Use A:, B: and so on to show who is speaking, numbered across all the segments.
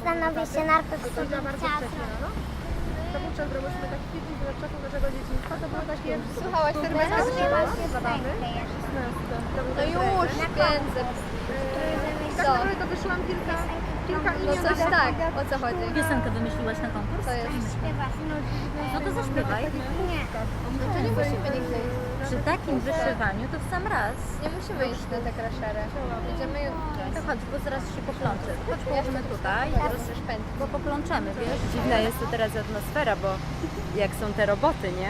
A: zastanowię się najpierw, co bym
B: bardzo
A: chciała
B: wcześnie
A: zrobić.
B: rano. To wówczas robiliśmy taki filmik z czasu naszego dzieciństwa. To było takie...
C: Słuchałaś serdecznie?
A: Rozgrywasz się
B: Zabawy.
A: pętlę.
C: No już, pędzę.
B: Tak naprawdę to wyszłam kilka
C: No
B: imion.
C: coś tak, o co chodzi?
D: Piosenkę wymyśliłaś na konkurs?
C: To jest.
A: Śpiewasz.
D: No to zaśpiewaj.
A: Nie.
C: No to nie musimy nigdy iść.
D: Przy takim wyszywaniu to w sam raz.
C: Nie musimy iść na te kraszerę. Będziemy jutro.
D: To chodź, bo zaraz się poplączę. Chodź, położymy tutaj,
C: Rozszerz pętli.
D: bo poplączemy, wiesz?
E: Dziwna jest to teraz atmosfera, bo jak są te roboty, nie?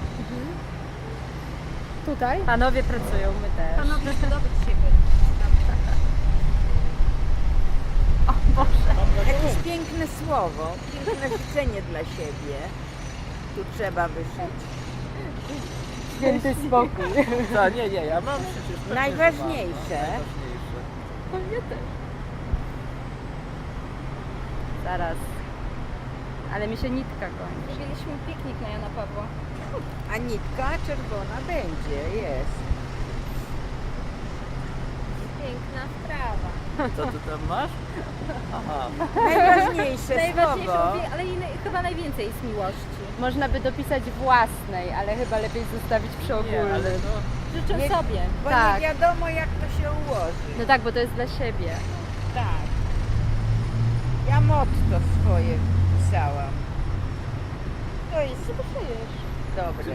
B: Tutaj?
E: Panowie pracują, my też.
D: Panowie zdobyć siebie.
F: Jakieś piękne słowo, piękne życzenie dla siebie. Tu trzeba wyszyć.
E: Święty spokój.
G: Co, nie, ja mam przecież... pewnie, że
F: Najważniejsze.
G: mam, najważniejsze.
E: Zaraz. Ale mi się nitka kończy.
C: Mieliśmy piknik na Jana Pawła.
F: A nitka czerwona będzie, jest.
C: Piękna sprawa.
G: Co ty tam masz? Aha.
F: Najważniejsze
E: Najważniejsze,
F: słowo.
E: ale chyba najwięcej jest miłości. Można by dopisać własnej, ale chyba lepiej zostawić przy
G: Nie, ale
E: ogólnym.
G: no...
E: Życzę
F: Nie-
E: sobie.
F: Bo
E: Tak.
F: nie wiadomo jak to się ułoży.
E: No tak, bo to jest dla siebie.
F: Tak. Ja motto swoje pisałam. To jest dobre.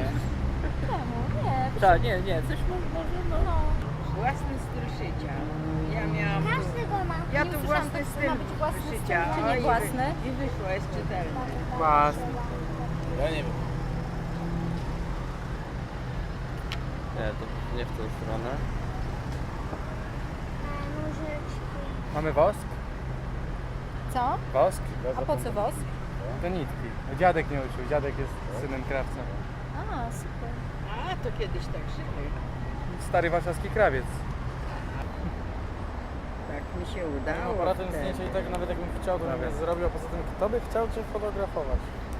G: Nie, coś może no...
F: Własny styl szycia. Ja miałam...
A: Każdy go ma.
F: Ja
E: Nie
F: tu
E: usłyszałam,
F: własny
E: to
F: styl
E: ma być własny styl,
F: szycia.
E: czy nie
F: O,
E: własny?
F: I wyszło, jest czytelne.
G: Własny. Ja nie wiem. Nie, to nie w tą stronę.
H: Mamy wosk?
E: Co?
H: Wosk?
E: A po co wosk?
H: Do nitki. Dziadek nie uczył, dziadek jest synem krawca.
E: A, super.
F: A, to kiedyś tak żyły.
H: Stary warszawski krawiec.
F: Tak mi się
H: No,
F: udało.
H: aparatem
F: wtedy.
H: zdjęcia i tak nawet jakbym chciał, to bym je zrobił, a poza tym kto by chciał Cię fotografować?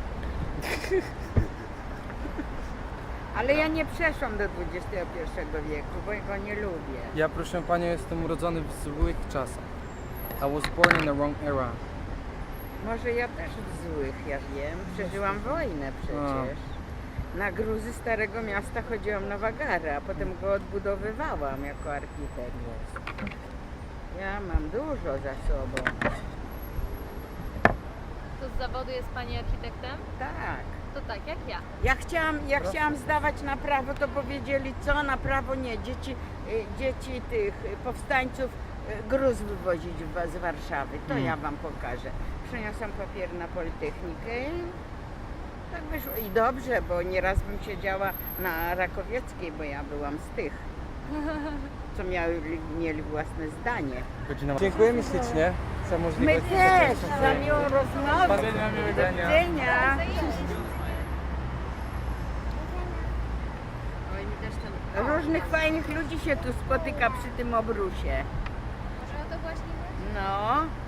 F: Ale ja nie przeszłam do XXI wieku, bo go nie lubię.
H: Ja, proszę Panią, jestem urodzony w złych czasach. I was born in the wrong era.
F: Może ja też w złych, ja wiem. Przeżyłam wojnę przecież. Na gruzy Starego Miasta chodziłam na wagary, a potem go odbudowywałam jako architekt. Ja mam dużo za sobą.
C: To z zawodu jest pani architektem?
F: Tak.
C: To tak jak ja.
F: Ja chciałam zdawać na prawo, to powiedzieli co, na prawo nie. Dzieci tych powstańców gruz wywozić z Warszawy. To ja wam pokażę. Przyniosłam papier na Politechnikę i tak wyszło. I dobrze, bo nieraz bym siedziała na Rakowieckiej, bo ja byłam z tych, co mieli własne zdanie.
H: Dziękujemy ślicznie za
F: My
H: możliwość.
F: też, za miłą rozmowę.
H: Do widzenia, miłego
F: Do
H: dnia.
F: widzenia.
C: Oj, mi też ten...
F: Różnych fajnych ludzi się tu spotyka przy tym obrusie.
C: Może to właśnie...
F: No.